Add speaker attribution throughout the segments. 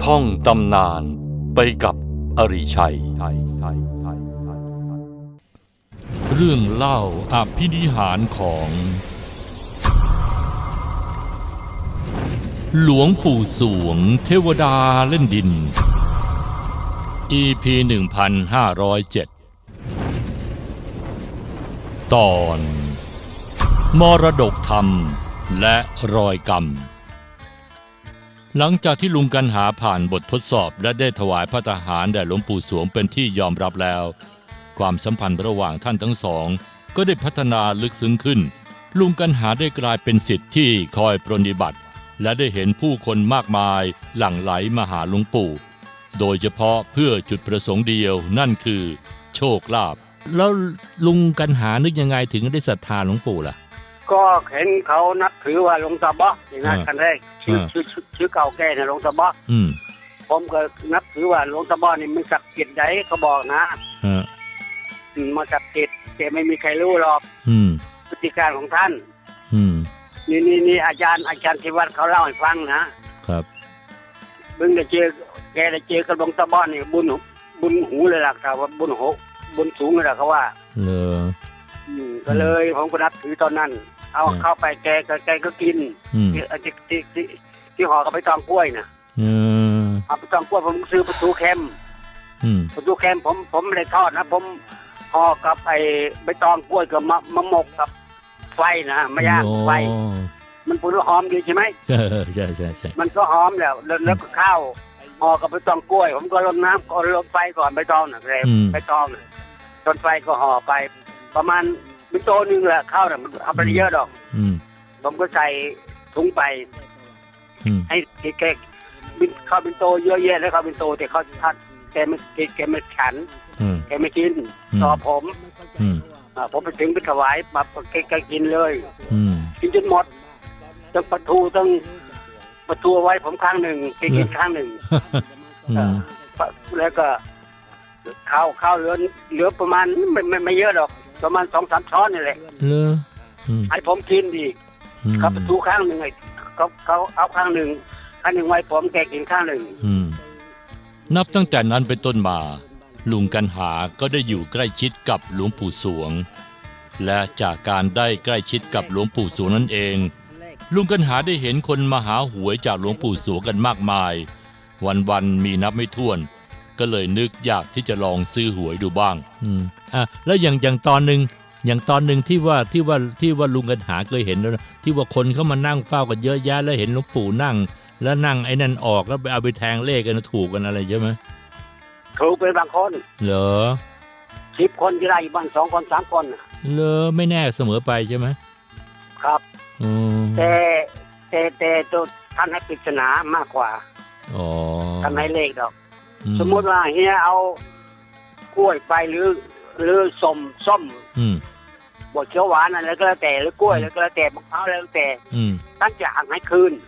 Speaker 1: ท่องตำนานไปกับอริชัยเรื่องเล่าอภินิหารของหลวงปู่สวงเทวดาเล่นดิน EP 1507 ตอนมรดกธรรมและรอยกรรมหลังจากที่ลุงกันหาผ่านบททดสอบและได้ถวายพระทหารแด่หลวงปู่สวงเป็นที่ยอมรับแล้วความสัมพันธ์ระหว่างท่านทั้งสองก็ได้พัฒนาลึกซึ้งขึ้นลุงกันหาได้กลายเป็นศิษย์ที่คอยปรนนิบัติและได้เห็นผู้คนมากมายหลั่งไหลมาหาหลวงปู่โดยเฉพาะเพื่อจุดประสงค์เดียวนั่นคือโชคลาภแล้วลุงกันหานึกยังไงถึงได้ศรัทธาหลวงปู่ล่ะ
Speaker 2: ก็เห็นเขานับถือว่าหลวงตาบ๊อกอย่างนั้นกันแรกชื่อเก่าแก่นะหลวงตาบ๊อกผมก็นับถือว่าหลวงตาบ๊อกนี่มันศักดิ์สิทธิ์ใหญ่เขาบอกนะมาศักดิ์สิทธิ์แต่ไม่มีใครรู้หรอกพฤติการของท่านนี่อาจารย์ที่วัดเขาเล่าให้ฟังนะครับบึงได้เจอแกได้เจอกับหลวงตาบ๊อกนี่บุญหูเลยล่ะครับว่าบุญสูงเลยล่ะเขาว่าก็เลยผมก็นับถือตอนนั้นเอาเข้าไปแกก็กินที่ห่อกับใบตองกล้วยนะเอาใบตองกล้วยผมซื้อประตูแคมผมไม่ได้ทอดนะผมห่อกับไอ้ใบตองกล้วยกับมะมกกับไฟนะไม่ย่างไฟมันพูดว่าหอมดีใช่ไหม
Speaker 1: ใช่
Speaker 2: มันก็หอมแล้วก็ข้าวห่อกับใบตองกล้วยผมก็ลดน้ำก่อนลดไฟก่อนใบตองนะใบตองจนไฟก็ห่อไปประมาณเป็นโตนึงแหละข้าวเนี่ยมันเอาไปเยอะดอกผมก็ใส่ถุงไปให้แกข้าวเป็นโตเยอะแยะแล้วข้าวเป็นโตแต่เขาท่านแกไม่ฉันแกไม่กินต่อผมไปถึงไปถวายมาแกกินเลยกินจนหมดต้องประตูไว้ผมข้างหนึ่งแกกินข้างหนึ่งแล้วก็ข้าวเหลือประมาณไม่เยอะหรอกประมาณ 2-3 ช้อนนี่แหละให้ผมกินอีกเขาประตูข้างหนึ่งเขาเอาข้างหนึ่งไว้ผมแกกินข้างหนึ่ง
Speaker 1: นับตั้งแต่นั้นเป็นต้นมาลุงกันหาก็ได้อยู่ใกล้ชิดกับหลวงปู่สวงและจากการได้ใกล้ชิดกับหลวงปู่สวงนั่นเองลุงกันหาได้เห็นคนมาหาหวยจากหลวงปู่สวงกันมากมายวันมีนับไม่ถ้วนก็เลยนึกอยากที่จะลองซื้อหวยดูบ้างแล้วอย่างตอนหนึ่งที่ว่าลุงกันหาเคยเห็นแล้วที่ว่าคนเขามานั่งเฝ้ากันเยอะแยะแล้วเห็นหลวงปู่นั่งแล้วนั่งไอ้นั่นออกแล้วไปเอาไปแทงเลขกันถูกกันอะไรใช่ไหม
Speaker 2: ถูกไปบางคน
Speaker 1: เหรอ
Speaker 2: 10 คนที่ได้บ้าง2 คน 3 คน
Speaker 1: เหรอไม่แน่เสมอไปใช่ไหม
Speaker 2: ครับแต่ตัวท่านให้ปริศนามากกว่าท่านให้เลขดอกสมมติว่าเฮียเอากล้วยไปหรือส้มบดเขียวหวานอะไรก็แล้วแต่หรือกล้วยแล้วก็แล้วแต่มะพร้าวแล้วแต่ท่านจะหักให้คืน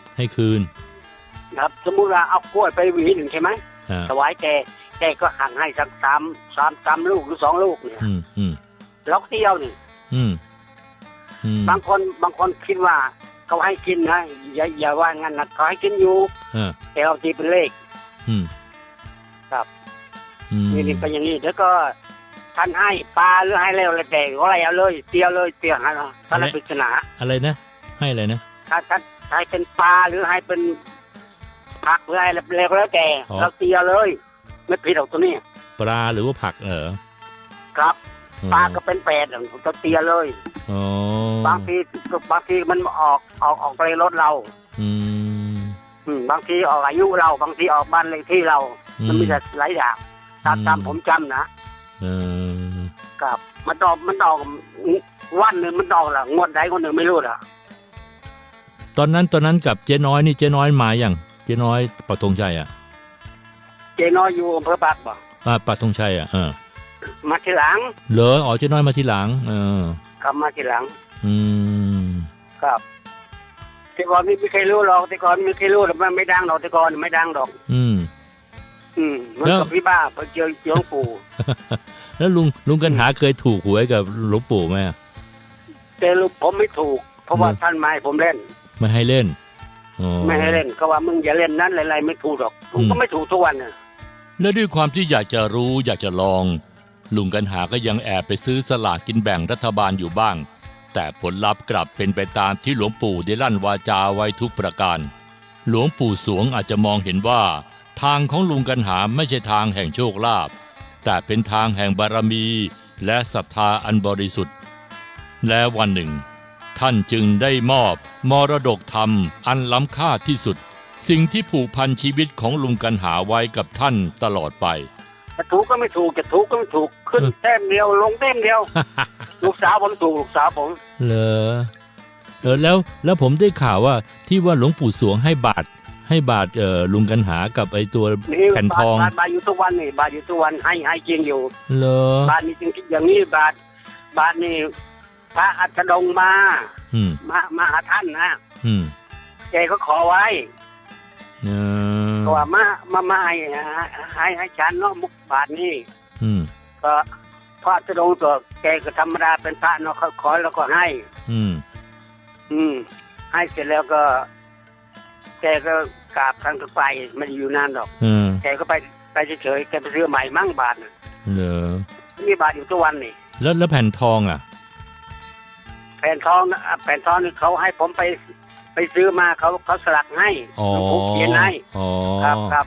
Speaker 2: ครับสมมุติว่าเอากล้วยไปหวีหนึ่งใช่ไหมถวายแกก็หักให้สัก3ลูกหรือ2 ลูกเนี่ยล็อกเดียวนี่บางคนคิดว่าเขาให้กินนะอย่าว่างั้นนะเขาให้กินอยู่แต่เอาตีเป็นเลขครับนี่ก็อย่างนี้แล้วก็ท่านให้ปลาหรือให้แล้วแต่ก็อะไรเอาเลยเตียวให้ท่านปริศนา
Speaker 1: อะไรนะให้อะไรนะ
Speaker 2: ถ้าให้เป็นปลาหรือให้เป็นผักหรืออะไรแล้วแต่เราเตียวเลยไม่ผิดหรอกตัวนี้
Speaker 1: ปลาหรือว่าผัก
Speaker 2: ครับปลาก็เป็น8เราเตียวเลยบางทีมันออกไปรถเราบางทีออกอายุเราบางทีออกบ้านเลขที่เรามันมีแต่หลายอย่างตามผมจำนะครับมันออกวันหนึ่งมันออกละงวดใดงวดหนึ่งไม่รู้ล่ะ
Speaker 1: ตอนนั้นกับเจ๊น้อยนี่เจ๊น้อยมาอย่างเจ๊น้อยปักธงชัย
Speaker 2: เจ๊น้อยอยู่อำเภอปากบ่
Speaker 1: ปักธงชัย
Speaker 2: มาทีหลัง
Speaker 1: เหรอเจ๊น้อยมาทีหลัง
Speaker 2: ครับมาทีหลังครับแต่ก่อนไม่เคยรู้หรอกแต่ก่อนไม่เคยรู้แต่มันไม่ดังหรอกแต่ก่อนไม่ดังหรอกมันกับพี่บ้าไปเจอหลวงปู่
Speaker 1: แล้วลุงกันหาเคยถูกหวยกับหลวงปู่ไหม
Speaker 2: แต่ผมไม่ถูกเพราะว่าท่านไม่ให้ผมเล่น
Speaker 1: ไม่ให้เล่น
Speaker 2: ไม่ให้เล่นก็ว่ามึงอย่าเล่นนั้นอะไรไม่ถูกหรอกผมก็ไม่ถูกทุกวันน่ะ
Speaker 1: และด้วยความที่อยากจะรู้อยากจะลองลุงกันหาก็ยังแอบไปซื้อสลากกินแบ่งรัฐบาลอยู่บ้างแต่ผลลัพธ์กลับเป็นไปตามที่หลวงปู่ได้ลั่นวาจาไว้ทุกประการหลวงปู่สวงอาจจะมองเห็นว่าทางของลุงกันหาไม่ใช่ทางแห่งโชคลาภแต่เป็นทางแห่งบารมีและศรัทธาอันบริสุทธิ์และวันหนึ่งท่านจึงได้มอบมรดกธรรมอันล้ำค่าที่สุดสิ่งที่ผูกพันชีวิตของลุงกันหาไว้กับท่านตลอดไป
Speaker 2: จะถูกก็ไม่ถูกจะถูกก็ไม่ถูกขึ้นแต้มเดียวลงแต้มเดียว ลูกสาวผมถูกลูกสาวผม
Speaker 1: เหรอแล้วผมได้ข่าวว่าที่ว่าหลวงปู่สวงให้บาทลุงกันหากับไอตัวแผ่นทอง
Speaker 2: บาทอยู่ทุกวันนี่บาทอยู่ทุกวันให้จริงอยู่
Speaker 1: เหรอบ
Speaker 2: าทนี่จริงอย่างนี้บาทนี่พระอัสดงมาหาท่านนะแกก็ขอไว้ก็ว่ามาให้ฉันเนาะมุกบาทนี่ก็พระอัสดงตัวแกก็ธรรมดาเป็นพระเนาะเขาขอแล้วก็ให้ให้เสร็จแล้วก็แกก็กราบทางไปไม่ได้อยู่นานหรอกแกก็ไปเฉยๆแกไปซื้อใหม่มั่งบาท
Speaker 1: เหรอ
Speaker 2: นี่บาทอยู่ทุกวันนี่
Speaker 1: แล้วแผ่นทองอ่ะ
Speaker 2: แผ่นทองนี่เขาให้ผมไปซื้อมาเขาสลักให้เขาเขียนให้ครับครับ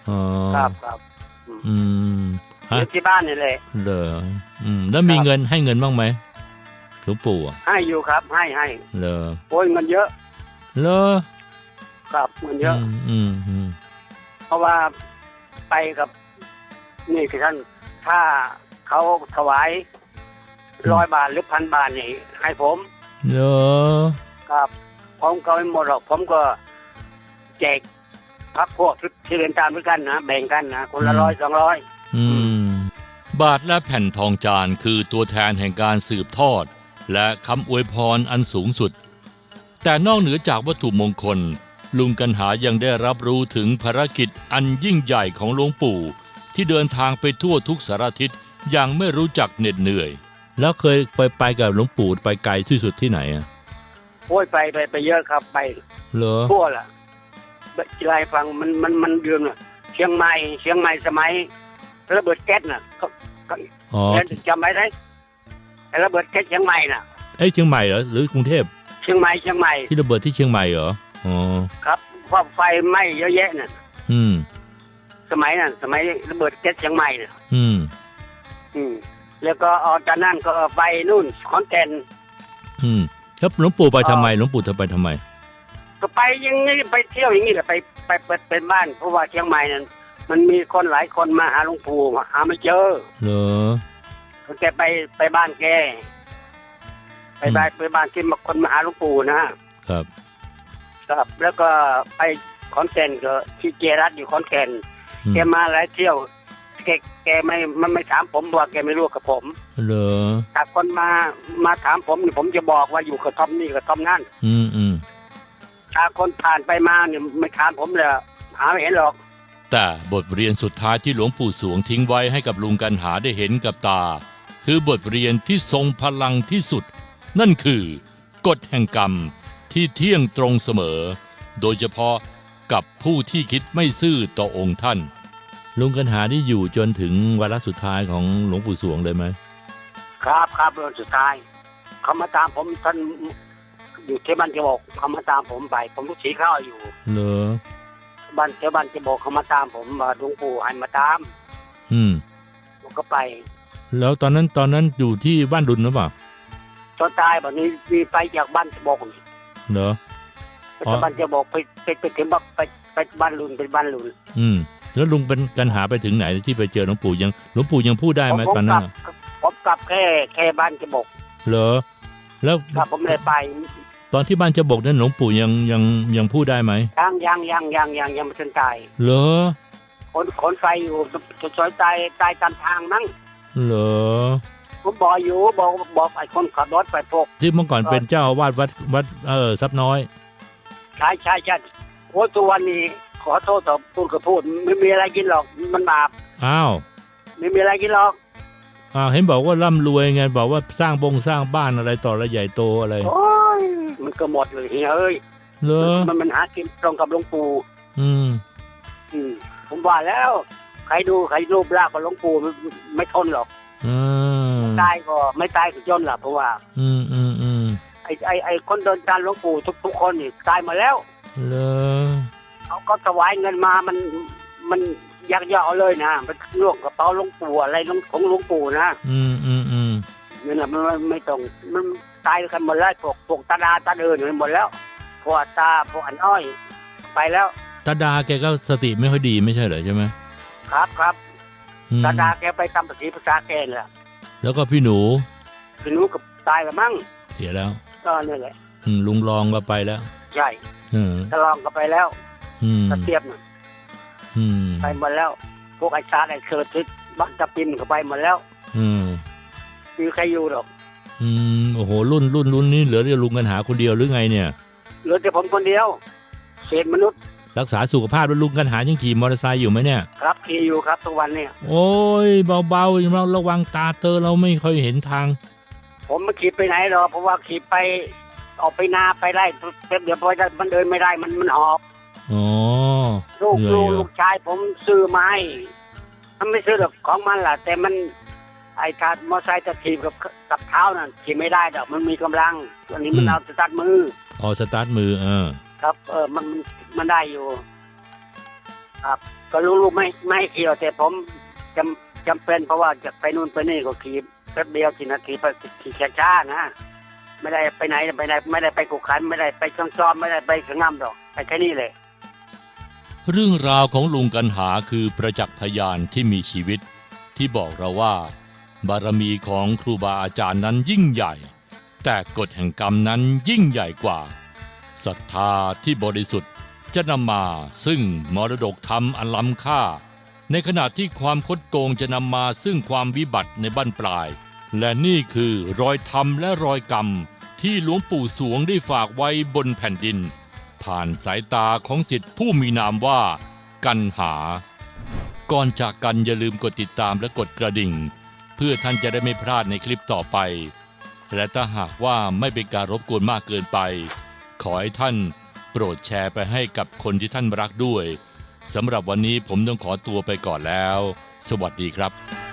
Speaker 2: เขียนที่บ้านนี่เลย
Speaker 1: เหรอแล้วมีเงินให้เงินบ้างไหมหลวงปู่
Speaker 2: ให้อยู่ครับให้
Speaker 1: เหรอ
Speaker 2: โอ้ยเงินเยอะ
Speaker 1: เหรอ
Speaker 2: ครับเงินเยอะเพราะว่าไปกับนี่คือท่านถ้าเขาถวาย100 บาทหรือ1,000 บาทนี่ให้ผม
Speaker 1: เหรอ
Speaker 2: ครับผมก็ไม่หมดหรอกผมก็แจกพักพวกที่เรียนตามด้วยกันนะแบ่งกันนะคนละ100-200
Speaker 1: บาทและแผ่นทองจานคือตัวแทนแห่งการสืบทอดและคำอวยพรอันสูงสุดแต่นอกเหนือจากวัตถุมงคลลุงกันหายังได้รับรู้ถึงภารกิจอันยิ่งใหญ่ของหลวงปู่ที่เดินทางไปทั่วทุกสารทิศอย่างไม่รู้จักเหน็ดเหนื่อยแล้วเคยไปกับหลวงปู่ไปไกลที่สุดที่ไหนอ่ะ
Speaker 2: โอ้ยไปเยอะครับไป
Speaker 1: เหรอ
Speaker 2: ทั่วล่ะจีไรฟังมันเดือนเชียงใหม่สมัยระเบิดแก๊สน่ะจำไว้ไหมระเบิดแก๊สเชียงใหม่น่ะ
Speaker 1: เชียงใหม่เหรอหรือกรุงเทพ
Speaker 2: เชียงใหม่
Speaker 1: ที่ระเบิดที่เชียงใหม่เหรอ
Speaker 2: ครับเพราะไฟไหม้เยอะแยะน่ะสมัยระเบิดแก๊สเชียงใหม่น่ะแล้วก็ออกจากนั้นก็ไปนู่นขอนแก่น
Speaker 1: ครับหลวงปู่ไปทำไมหลวงปู่จะไปทำไม
Speaker 2: ก็ไปอย่างนี้ไปเที่ยวอย่างนี้แหละไปเป็นบ้านเพราะว่าเชียงใหม่นั้นมันมีคนหลายคนมาหาหลวงปู่หาไม่เจอ
Speaker 1: เหรอ
Speaker 2: แกไปบ้านแกไปบ้านที่มาคนมาหาหลวงปู่นะครับแล้วก็ไปขอนแก่นก็ที่เจรัตอยู่ขอนแก่นแกมาหลายเที่ยวแกไม่ถามผมว่าแกไม่รู้กับผม
Speaker 1: เหรอ
Speaker 2: ถ้าคนมาถามผมผมจะบอกว่าอยู่กระท่อมนี่กระท่อมนั่นถ้าคนผ่านไปมาเนี่ยไม่ถามผมเลยหาไม่เห็นหรอก
Speaker 1: แต่บทเรียนสุดท้ายที่หลวงปู่สวงทิ้งไว้ให้กับลุงกันหาได้เห็นกับตาคือบทเรียนที่ทรงพลังที่สุดนั่นคือกฎแห่งกรรมที่เที่ยงตรงเสมอโดยเฉพาะกับผู้ที่คิดไม่ซื่อต่อองค์ท่านลุงกันหานี่อยู่จนถึงวาระสุดท้ายของหลวงปู่สวงเลยไหม
Speaker 2: ครับวันสุดท้ายเขามาตามผมท่านอยู่ที่บ้านจะบอกเขามาตามผมไปผมลูกศิษย์เข้าอยู่
Speaker 1: เหรอ
Speaker 2: บ้านจะบอกเขามาตามผมมาหลวงปู่ให้มาตามผมก็ไป
Speaker 1: แล้วตอนนั้นอยู่ที่บ้านดุลหรือเปล่า
Speaker 2: ตอนตายแบบนี้มีไปจากบ้านจะบอก
Speaker 1: เหรอ
Speaker 2: บ้านจะบอกไปถึงไปบ้านลุนเป็นบ้านลุน
Speaker 1: แล้วลุงเป็นกันหาไปถึงไหนที่ไปเจอหลวงปู่หลวงปู่ยังพูดได้ไหมตอนนั้น
Speaker 2: ผมกลับแค่บ้านจะบอก
Speaker 1: เหรอแล้ว
Speaker 2: ผมเลยไป
Speaker 1: ตอนที่บ้านจะบอกนั้นหลวงปู่ยังพูดได้ไหม
Speaker 2: ยังไม่ทันตาย
Speaker 1: เหรอ
Speaker 2: คนไฟอยู่ซอยตายตามทางมั้ง
Speaker 1: เหรอ
Speaker 2: ผมบอกไอ้คนขับรถไปพวก
Speaker 1: ที่เมื่อก่อนเป็นเจ้าอาวาสวัดทรัพย์น้อย
Speaker 2: ใช่โอ้ตัววันนี้ขอโทษต่อพูดไม่มีอะไรกินหรอกมันบาป
Speaker 1: อ้าว
Speaker 2: ไม่มีอะไรกินหรอก
Speaker 1: เห็นบอกว่าร่ำรวยไงบอกว่าสร้างบ้านอะไรต่ออะไรใหญ่โตอะไร
Speaker 2: โอ้ยมันก็หมดเลยเฮ้ย
Speaker 1: เหรอ
Speaker 2: มันหากินตรงกับหลวงปู่
Speaker 1: อืม
Speaker 2: ผมว่าแล้วใครดูรูปร่างของหลวงปู่ไม่ทนหรอกตายก็ไม่ตายก็จนล่ะเพราะว่าไอ้คนเดินตามหลวงปู่ทุกคนนี่ตายมาแล้ว
Speaker 1: เหรอ
Speaker 2: เขาก็ถวายเงินมามันยักยอกเลยนะมันล่วงกระเป๋าหลวงปู่อะไรของหลวงปู่นะนี่แหละมันไม่ต้องมันตายกันหมดแล้วพวกตาดาตาเดินหมดแล้วพวกตาพวกอันอ้อยไปแล้ว
Speaker 1: ตาดาแกก็สติไม่ค่อยดีไม่ใช่เหรอใช่ไหม
Speaker 2: ครับตาดาแกไปทำภาษาแกแหละ
Speaker 1: แล้วก็พี่หนู
Speaker 2: กับตายแล้วมั้ง
Speaker 1: เสียแล้ว
Speaker 2: ก็นี่แหละ
Speaker 1: ลุงรองก็ไปแล้ว
Speaker 2: ใช่ตะลองก็ไปแล้วตะเทียบน่ะไปหมดแล้วพวกไอ้ชาไอ้เคิร์ดบักตะปินก็ไปหมดแล้วมีใครอยู่หรอก
Speaker 1: โอ้โหรุ่นนี้เหลือแต่ลุงกันหาคนเดียวหรือไงเนี่ย
Speaker 2: เหลือแต่ผมคนเดียวเศษมนุษย์
Speaker 1: รักษาสุขภาพแล้วลุงกันหายังขี่มอเตอร์ไซค์อยู่ไหมเนี่ย
Speaker 2: ครับขี่อยู่ครับทุกวันเนี่ย
Speaker 1: โอ้ยเบาๆเราระวังตาเตอเราไม่ค่อยเห็นทาง
Speaker 2: ผมไม่ขี่ไปไหนหรอกเพราะว่าขี่ไปออกไปนาไปไร่เดี๋ยวพอจะมันเดินไม่ได้มันหอบ
Speaker 1: อ๋อ
Speaker 2: ลูกชายผมซื้อไม้มันไม่ซื้อหรอกของมันล่ะแต่มันไอ้การมอเตอร์ไซค์จะขี่กับเท้านั่นขี่ไม่ได้ดอกมันมีกำลังอันนี้มันเอาสตาร์ทมือ
Speaker 1: สตาร์ทมือ
Speaker 2: ครับมันได้อยู่ครับก็ลูกไม่ขี่แต่ผมจำเป็นเพราะว่าจะไปนู่นไปนี่ก็ขี่แป๊บเดียวกี่นาทีไปขี่ช้าๆนะไม่ได้ไปไหนไม่ได้ไปกุกขันไม่ได้ไปช่องจอมไม่ได้ไปสงามดอกไปแค่นี้เลย
Speaker 1: เรื่องราวของลุงกันหาคือประจักษ์พยานที่มีชีวิตที่บอกเราว่าบารมีของครูบาอาจารย์นั้นยิ่งใหญ่แต่กฎแห่งกรรมนั้นยิ่งใหญ่กว่าศรัทธาที่บริสุทธิ์จะนำมาซึ่งมรดกธรรมอันล้ำค่าในขณะที่ความคดโกงจะนำมาซึ่งความวิบัติในบั้นปลายและนี่คือรอยธรรมและรอยกรรมที่หลวงปู่สวงได้ฝากไว้บนแผ่นดินผ่านสายตาของศิษย์ผู้มีนามว่ากันหาก่อนจากกันอย่าลืมกดติดตามและกดกระดิ่งเพื่อท่านจะได้ไม่พลาดในคลิปต่อไปและถ้าหากว่าไม่เป็นการรบกวนมากเกินไปขอให้ท่านโปรดแชร์ไปให้กับคนที่ท่านรักด้วยสำหรับวันนี้ผมต้องขอตัวไปก่อนแล้วสวัสดีครับ